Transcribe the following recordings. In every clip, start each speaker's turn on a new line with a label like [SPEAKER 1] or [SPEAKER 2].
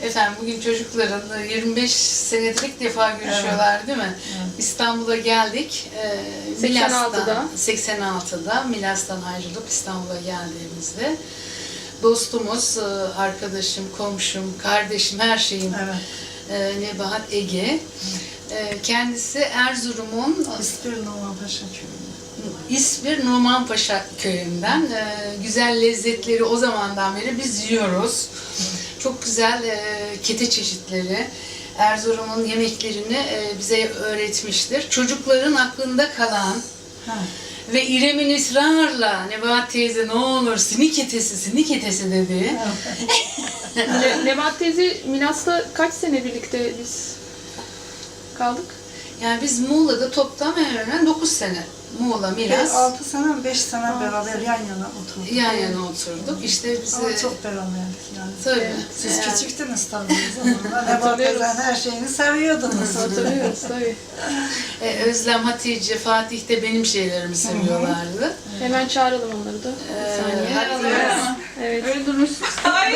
[SPEAKER 1] Efendim bugün çocukların 25 senedir ilk defa görüşüyorlar değil mi?
[SPEAKER 2] Evet.
[SPEAKER 1] İstanbul'a geldik.
[SPEAKER 3] 86'da.
[SPEAKER 1] 86'da Milas'tan ayrılıp İstanbul'a geldiğimizde dostumuz, arkadaşım, komşum, kardeşim, her şeyim Nebahat Ege. Kendisi Erzurum'un
[SPEAKER 2] İspir Numanpaşa köyünde.
[SPEAKER 1] İspir Numanpaşa köyünden. Güzel lezzetleri o zamandan beri biz yiyoruz. Çok güzel kete çeşitleri, Erzurum'un yemeklerini bize öğretmiştir. Çocukların aklında kalan ve İrem'in ısrarla Nebahat teyze ne olur sinik etesi dedi.
[SPEAKER 3] Nebahat teyze Milas'ta kaç sene birlikte biz kaldık?
[SPEAKER 1] Yani biz Muğla'da toplam hemen 9 sene. Muğla, Milas.
[SPEAKER 2] 6 sene, 5 sene beraber yan yana oturduk.
[SPEAKER 1] Yan yana oturduk. İşte bizi...
[SPEAKER 2] Ama çok beraberdik yani.
[SPEAKER 1] Tabii.
[SPEAKER 2] Siz küçüktünüz tabii o zamanlar. Nebahat teyzenin her şeyini seviyordunuz.
[SPEAKER 3] Hatırlıyoruz tabii.
[SPEAKER 1] Özlem, Hatice, Fatih de benim şeylerimi seviyorlardı.
[SPEAKER 3] Hemen çağıralım onları da. Evet.
[SPEAKER 1] Öyle durmuşsunuz.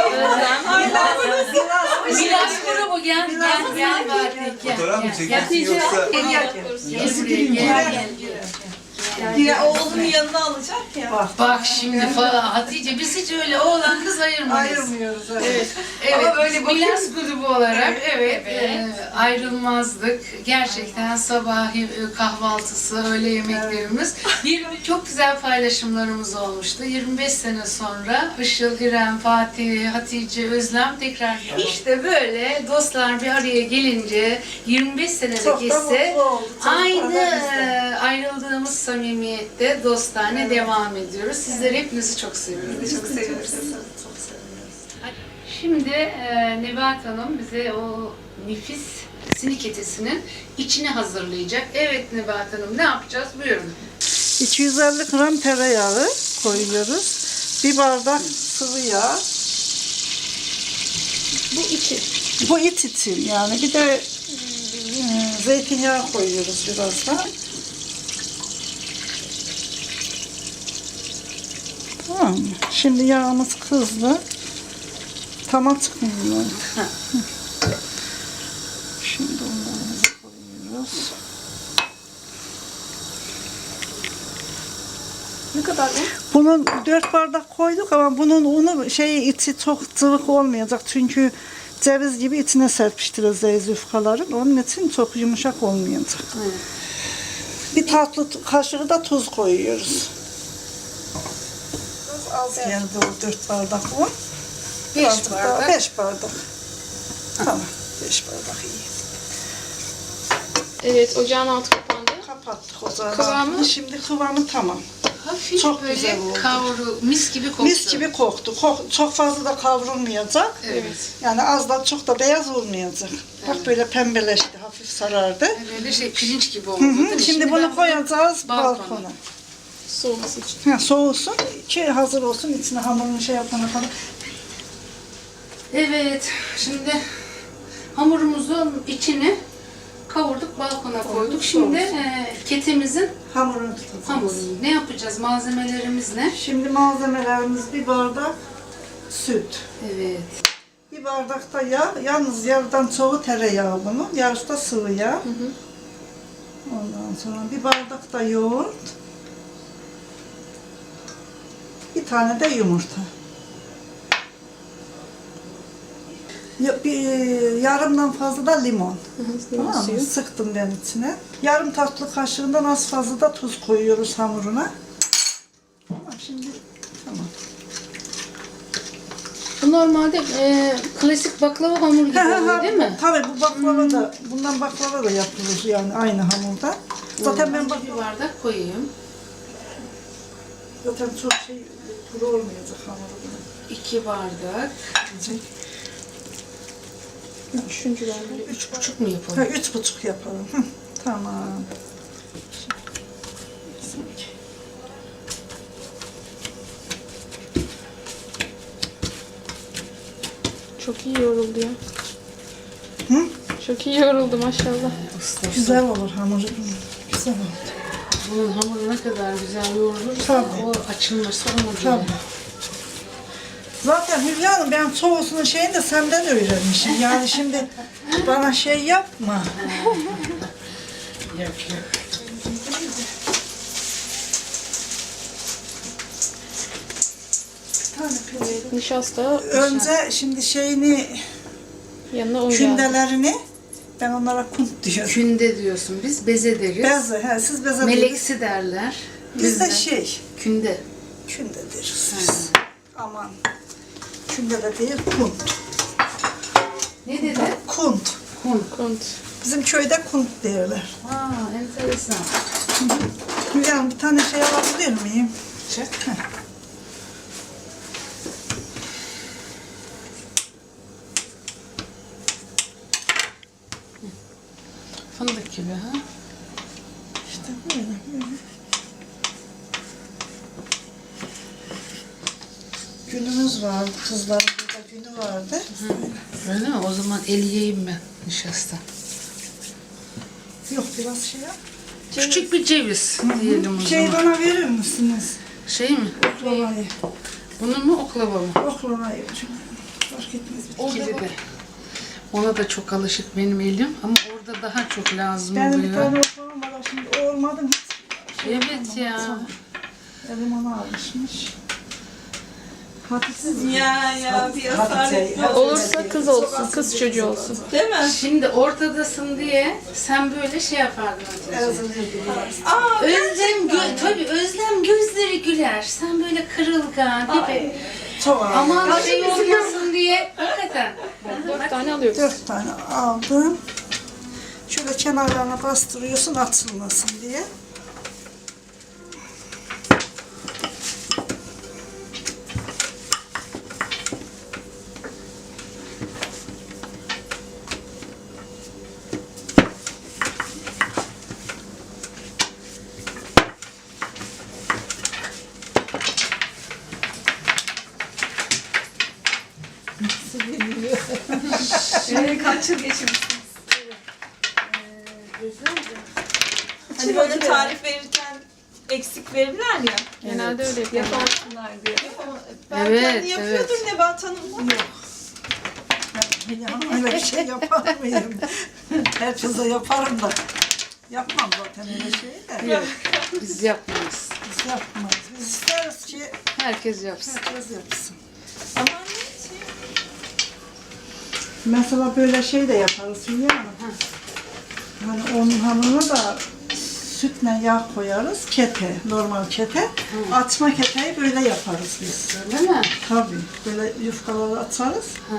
[SPEAKER 1] Milas grubu gel Fatih gel.
[SPEAKER 4] Fotoğraf mı çekiyorsun yoksa?
[SPEAKER 1] Gel.
[SPEAKER 5] Oğlunun yanına alacak ya.
[SPEAKER 1] Bak şimdi falan Hatice biz hiç öyle oğlan kız ayırmayız.
[SPEAKER 2] Ayırmıyoruz.
[SPEAKER 1] Evet,
[SPEAKER 5] Ama böyle
[SPEAKER 1] Milas grubu olarak ayrılmazdık. Gerçekten sabah kahvaltısı, öğle yemeklerimiz. Çok güzel paylaşımlarımız olmuştu. 25 sene sonra Işıl, İrem, Fatih, Hatice, Özlem tekrar işte böyle dostlar bir araya gelince 25 senelik
[SPEAKER 2] Çok da
[SPEAKER 1] ise
[SPEAKER 2] mutlu olduk.
[SPEAKER 1] aynı ayrıldığımız samimiyette dostane devam ediyoruz. Sizleri hepinizi çok seviyoruz.
[SPEAKER 5] Çok seviyoruz.
[SPEAKER 2] Çok seviyoruz.
[SPEAKER 1] Şimdi Nebahat Hanım bize o nefis sinik etesinin içini hazırlayacak. Evet Nebahat Hanım ne yapacağız? Buyurun.
[SPEAKER 2] 250 gram tereyağı koyuyoruz. Bir bardak sıvı yağ.
[SPEAKER 3] Bu içi.
[SPEAKER 2] Bu it için yani. Bir de zeytinyağı koyuyoruz biraz da. Tamam mı? Şimdi yağımız kızdı. Tamam çıkmıyor. Şimdi onlarımızı koyuyoruz.
[SPEAKER 3] Ne kadar bu?
[SPEAKER 2] Bunun 4 bardak koyduk ama bunun unu içi çok cıvık olmayacak çünkü ceviz gibi içine serpiştireceğiz yufkaların. Onun için çok yumuşak olmayacak.
[SPEAKER 1] Evet.
[SPEAKER 2] Bir tatlı kaşığı da tuz koyuyoruz. Az geldi o 4 bardak un.
[SPEAKER 1] 5 bardak.
[SPEAKER 2] 5 bardak. Tamam. 5 bardak iyi.
[SPEAKER 3] Evet, ocağın altı kapandı.
[SPEAKER 2] Kapattık o zaman.
[SPEAKER 3] Kıvamı?
[SPEAKER 2] Şimdi kıvamı tamam.
[SPEAKER 1] Hafif
[SPEAKER 2] Çok
[SPEAKER 1] böyle
[SPEAKER 2] güzel oldu.
[SPEAKER 1] mis gibi koktu.
[SPEAKER 2] Mis gibi koktu. Çok fazla da kavrulmayacak.
[SPEAKER 1] Evet.
[SPEAKER 2] Yani az da çok da beyaz olmayacak. Bak böyle pembeleşti, hafif sarardı.
[SPEAKER 1] Böyle pirinç gibi oldu.
[SPEAKER 2] Hı
[SPEAKER 1] değil
[SPEAKER 2] hı.
[SPEAKER 1] mi?
[SPEAKER 2] Şimdi
[SPEAKER 1] ben
[SPEAKER 2] bunu koyacağız
[SPEAKER 1] balkona.
[SPEAKER 2] balkona.
[SPEAKER 3] Soğuması için.
[SPEAKER 2] Soğusun, ki hazır olsun. İçine hamurunu yapana kadar.
[SPEAKER 1] Evet, şimdi hamurumuzun içini kavurduk, balkona koyduk. Şimdi ketemizin
[SPEAKER 2] Hamurunu tutacağız.
[SPEAKER 1] hamurunu ne yapacağız? Malzemelerimiz ne?
[SPEAKER 2] Şimdi malzemelerimiz bir bardak süt.
[SPEAKER 1] Evet.
[SPEAKER 2] Bir bardak da yağ. Yalnız yarıdan çoğu tereyağı bunun. Yarısı da sıvı yağ. Ondan sonra bir bardak da yoğurt. Bir tane de yumurta. Yarımdan fazla da limon. Tamam mı? Sıktım ben içine. Yarım tatlı kaşığından az fazla da tuz koyuyoruz hamuruna. Tamam, şimdi tamam.
[SPEAKER 1] Bu normalde klasik baklava hamuru gibi oluyor değil mi?
[SPEAKER 2] Tabii bu baklava da, bundan baklava da yapılır yani aynı hamurda. Zaten ben
[SPEAKER 1] bir bardak koyayım.
[SPEAKER 2] zaten çok kuru olmayacak hamuru.
[SPEAKER 1] 2 bardak.
[SPEAKER 3] Üçüncü var.
[SPEAKER 1] 3,5 mu yapalım?
[SPEAKER 2] 3,5 yapalım. Hı, tamam.
[SPEAKER 3] Çok iyi yoruldu ya.
[SPEAKER 2] Hı?
[SPEAKER 3] Çok iyi yoruldu maşallah.
[SPEAKER 2] Güzel olur hamuru. Güzel oldu.
[SPEAKER 1] Bunun hamuru ne kadar güzel yoğrulursa
[SPEAKER 2] Tabii.
[SPEAKER 1] o açılması ona göre.
[SPEAKER 2] Tabii. Zaten Hülya Hanım ben soğusunun şeyini de senden öğrenmişim. Yani şimdi bana şey yapma.
[SPEAKER 1] Yok yok.
[SPEAKER 3] Evet, nişasta
[SPEAKER 2] Önce şimdi şeyini,
[SPEAKER 3] yanına un geldi.
[SPEAKER 2] kündelerini ben onlara kunt diyorum.
[SPEAKER 1] Künde diyorsun biz, beze deriz.
[SPEAKER 2] Beze, he, siz beze deriz.
[SPEAKER 1] Meleksi derler.
[SPEAKER 2] Biz de
[SPEAKER 1] Bizde
[SPEAKER 2] şey,
[SPEAKER 1] künde.
[SPEAKER 2] künde deriz biz. Aman, künde de değil, kunt.
[SPEAKER 1] Ne dedi?
[SPEAKER 2] Kunt.
[SPEAKER 1] Kun.
[SPEAKER 3] Kunt.
[SPEAKER 2] Bizim köyde kunt derler.
[SPEAKER 1] Aa, enteresan.
[SPEAKER 2] Hülya Hanım bir tane şey alabilir miyim?
[SPEAKER 1] Çek. Fındık gibi ha.
[SPEAKER 2] İşte böyle. Günümüz vardı, kızların burada günü vardı.
[SPEAKER 1] Öyle mi? O zaman eleyeyim ben nişasta.
[SPEAKER 2] Yok biraz şey yap.
[SPEAKER 1] Küçük bir ceviz diyelim o
[SPEAKER 2] Şey
[SPEAKER 1] zaman.
[SPEAKER 2] bana verir misiniz?
[SPEAKER 1] Şey mi?
[SPEAKER 2] Oklavayı.
[SPEAKER 1] Bunu mu oklava mı?
[SPEAKER 2] Oklavayı. Fark etmez.
[SPEAKER 1] İkili de. Ona da çok alışık benim elim ama orada daha çok lazım
[SPEAKER 2] Benim bir
[SPEAKER 1] oluyor.
[SPEAKER 2] tane oklavam var şimdi o olmadı mı?
[SPEAKER 1] Evet ya.
[SPEAKER 2] Elim ona alışmış. Hatice.
[SPEAKER 5] Ya bir asalet yok.
[SPEAKER 3] Olursa kız olsun, kız çocuğu olsun.
[SPEAKER 5] Değil mi?
[SPEAKER 1] Şimdi ortadasın diye sen böyle şey yapardın Hatice.
[SPEAKER 5] Aa,
[SPEAKER 1] Tabii Özlem gözleri güler. Sen böyle kırılgan gibi.
[SPEAKER 2] Çok ağır.
[SPEAKER 1] Aman şey olmasın diye. Hakikaten.
[SPEAKER 3] 4 tane alıyoruz.
[SPEAKER 2] 4 tane aldım. Şöyle kenarlarına bastırıyorsun atılmasın diye.
[SPEAKER 5] kaç yıl geçirmişsiniz? Hani böyle tarif verirken eksik verirler ya.
[SPEAKER 3] Genelde öyle yapıyorlar.
[SPEAKER 5] Yapamasınlar diye. Ben
[SPEAKER 1] Evet,
[SPEAKER 5] kendi yapıyordum Nebahat Hanım'la.
[SPEAKER 2] Ya, öyle bir şey yapar mıyım? Herkese yaparım da. Yapmam zaten öyle şeyi de.
[SPEAKER 1] Yok. Biz yapmayız.
[SPEAKER 2] Biz yapmayız. Biz isteriz ki
[SPEAKER 1] Herkes yapsın.
[SPEAKER 2] herkes yapsın.
[SPEAKER 5] Ama ne şey?
[SPEAKER 2] Mesela böyle şey de yaparız Hülya Hanım. Hani onun hamuruna da sütle yağ koyarız. Kete, normal kete. Açma keteyi böyle yaparız biz.
[SPEAKER 1] Öyle mi?
[SPEAKER 2] Tabii. Böyle yufkaları atarız.
[SPEAKER 1] Ha.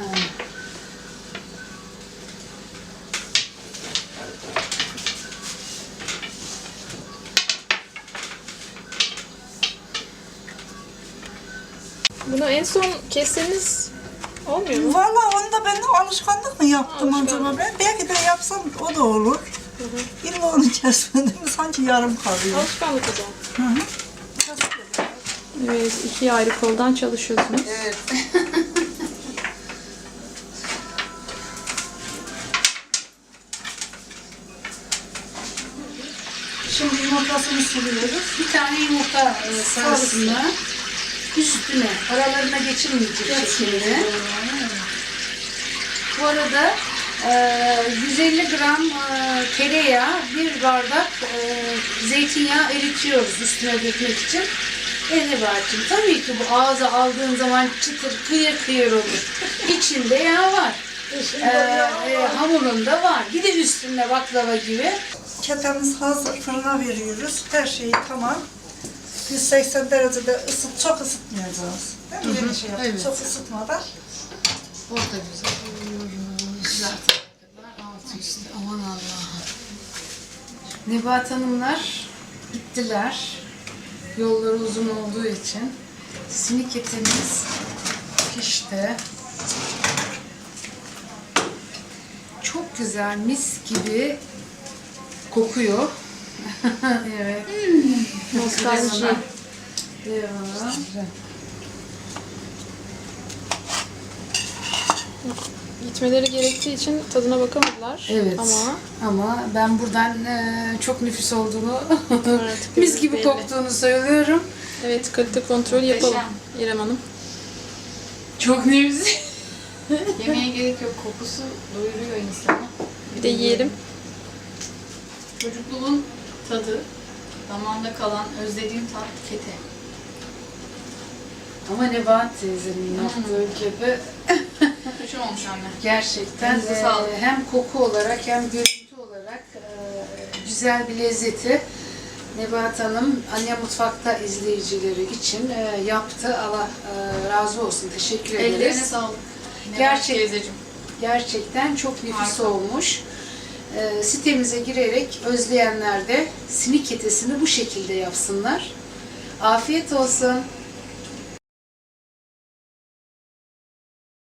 [SPEAKER 3] Bunu en son kesseniz olmuyor mu?
[SPEAKER 2] Valla onu da ben de alışkanlık mı yaptım
[SPEAKER 3] Alışkanlık.
[SPEAKER 2] acaba ben? Belki de yapsam o da olur. İlla onu kesmedim sanki yarım kalıyor.
[SPEAKER 3] Alışkanlık o zaman.
[SPEAKER 2] Hı hı.
[SPEAKER 3] Evet, 2 ayrı koldan çalışıyorsunuz.
[SPEAKER 1] Evet.
[SPEAKER 2] Şimdi yumurtasını sürüyoruz.
[SPEAKER 1] Bir tane yumurta sarısını üstüne, aralarına geçirmeyecek şekilde. Bu arada 150 gram tereyağı, bir bardak zeytinyağı eritiyoruz üstüne dökmek için. Nebahat'cığım tabii ki bu ağza aldığın zaman çıtır kıyır kıyır olur. İçinde yağ var. Hamurunda var. Bir de üstünde baklava gibi.
[SPEAKER 2] Ketemiz hazır. Fırına veriyoruz. Her şeyi tamam. 180 derecede çok ısıtmayacağız. Değil mi? Yeni şey yaptık.
[SPEAKER 1] evet.
[SPEAKER 2] Çok ısıtmadan.
[SPEAKER 1] O da güzel. Zaten altı üstü. Aman Allah'ım. Nebahat Hanımlar gittiler. Yolları uzun olduğu için. Sinik etimiz pişti. Çok güzel, mis gibi kokuyor. Evet.
[SPEAKER 3] Nostalji.
[SPEAKER 1] Eyvallah.
[SPEAKER 3] Gitmeleri gerektiği için tadına bakamadılar.
[SPEAKER 1] Evet. Ama ben buradan çok nefis olduğunu,
[SPEAKER 3] Artık
[SPEAKER 1] mis gibi
[SPEAKER 3] belli.
[SPEAKER 1] koktuğunu söylüyorum.
[SPEAKER 3] Evet, kalite kontrol yapalım İrem Hanım.
[SPEAKER 1] Çok nevzi.
[SPEAKER 4] Yemeğe gerek yok. Kokusu doyuruyor insanı.
[SPEAKER 3] Bir de yiyelim.
[SPEAKER 4] Çocukluğun tadı, damağımda kalan özlediğim tat kete.
[SPEAKER 1] Ama Nebahat teyzenin yaptığı gibi
[SPEAKER 4] Köşe olmuş anne.
[SPEAKER 1] gerçekten
[SPEAKER 4] Elinize sağlık.
[SPEAKER 1] hem koku olarak hem görüntü olarak güzel bir lezzeti Nebahat Hanım Anne Mutfak'ta izleyicileri için yaptı. Allah razı olsun. Teşekkür ederiz.
[SPEAKER 4] Ellerine sağlık.
[SPEAKER 1] Gerçek-
[SPEAKER 4] Teyzeciğim.
[SPEAKER 1] Gerçekten çok nefis
[SPEAKER 4] Harika.
[SPEAKER 1] olmuş. Sitemize girerek özleyenler de simit ketesini bu şekilde yapsınlar. Afiyet olsun.